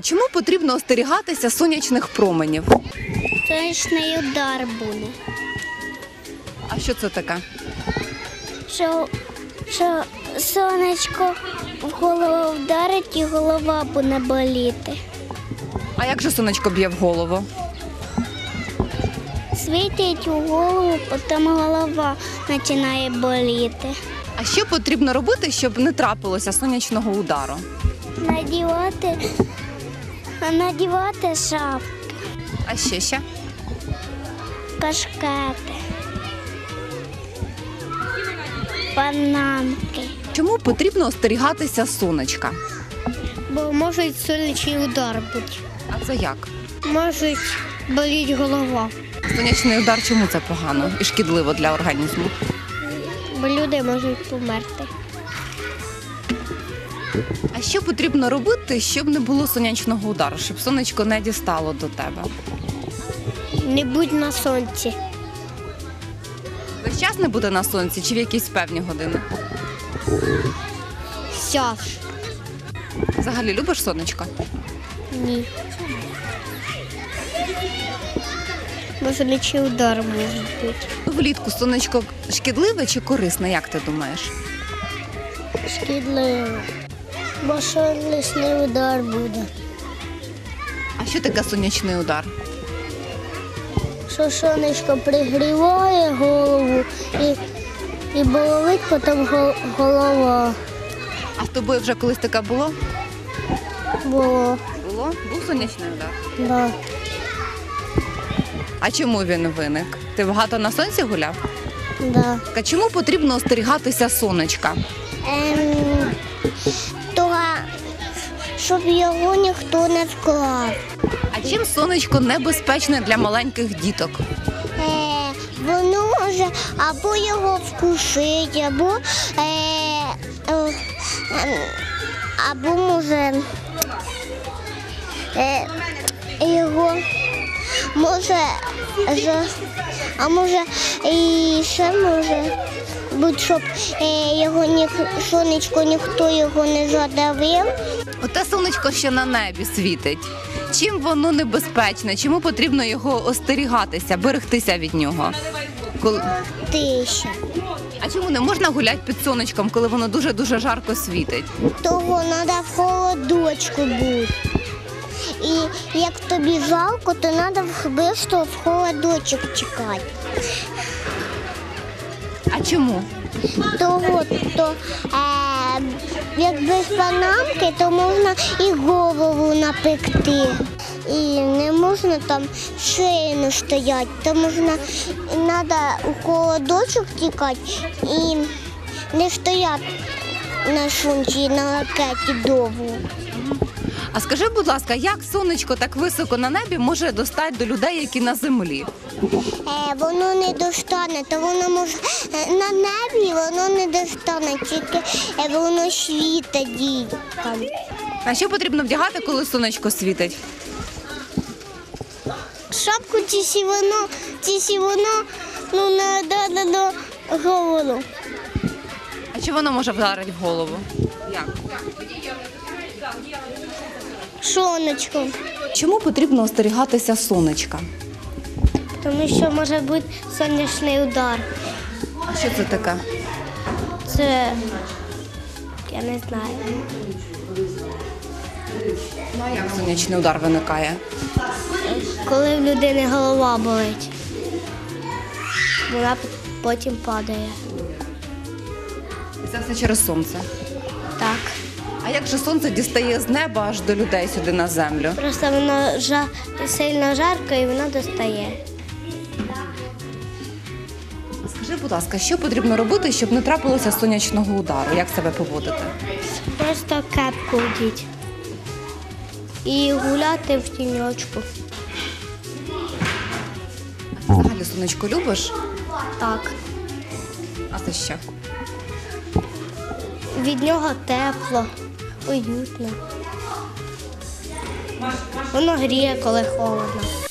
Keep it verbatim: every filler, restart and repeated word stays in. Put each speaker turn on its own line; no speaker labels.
Чому потрібно остерігатися сонячних променів?
Сонячний удар буде.
А що це таке?
Що, що сонечко в голову вдарить і голова буде боліти.
А як же сонечко б'є в голову?
Світить у голову, потім голова починає боліти.
А що потрібно робити, щоб не трапилося сонячного удару?
Надівати, надівати шапки,
А ще ще?
кашкети, панамки.
Чому потрібно остерігатися сонечка?
Бо може сонячний удар бути.
А це як?
Може боліти голова.
Сонячний удар чому це погано і шкідливо для організму?
Бо люди можуть померти.
А що потрібно робити, щоб не було сонячного удару, щоб сонечко не дістало до тебе?
Не будь на сонці.
Весь час не буде на сонці чи в якісь певні години?
Сяж.
Взагалі любиш сонечко?
Ні. Бо сонячний удар може бути.
Влітку сонечко шкідливе чи корисне, як ти думаєш?
Шкідливо. Бо сонячний удар буде.
А що таке сонячний удар?
Що сонечко пригріває голову і, і болить потім гол- голова.
А з тобою вже колись таке було?
Було.
Було? Був сонячний удар.
Да.
А чому він виник? Ти багато на сонці гуляв?
Да.
А чому потрібно остерігатися сонечка?
Ем, того, щоб його ніхто не вклав.
А чим сонечко небезпечне для маленьких діток?
Е, воно може або його вкусить, або, е, е, е, або може е, його може, за- а може і ще може бути, щоб е, його ні, сонечко ніхто його не задавив.
Оте сонечко, що на небі світить. Чим воно небезпечне? Чому потрібно його остерігатися, берегтися від нього? Коли...
Тиша.
А чому не можна гуляти під сонечком, коли воно дуже-дуже жарко світить?
Того треба в холодочку бути. І як тобі жалко, то треба швидко в холодочок чекати.
А чому?
Того, то е, як без панамки, то можна і голову напекти. І не можна там шину стояти, то можна, треба у холодочок тікати і не стояти на сонці, на ракеті довго.
А скажи, будь ласка, як сонечко так високо на небі може достати до людей, які на землі?
Е, воно не достане, то воно може е, на небі воно не достане, тільки е, воно світить діткам.
А що потрібно вдягати, коли сонечко світить?
Шапку чи сі воно, чи сі воно ну, не дане до голову.
А чи воно може вдарити в голову? Як?
Сонечко.
Чому потрібно остерігатися сонечка?
Тому що може бути сонячний удар.
А що це таке?
Це я не знаю.
Ну, а як сонячний удар виникає?
Коли в людини голова болить, вона потім падає.
Це все через сонце.
Так.
А як же сонце дістає з неба аж до людей сюди на землю?
Просто воно жа... сильно жарко і воно достає.
Скажи, будь ласка, що потрібно робити, щоб не трапилося сонячного удару? Як себе поводити?
Просто кепку вдіть. І гуляти в тіньочку.
А ти взагалі сонечко любиш?
Так.
А це що?
Від нього тепло, уютно. Воно гріє, коли холодно.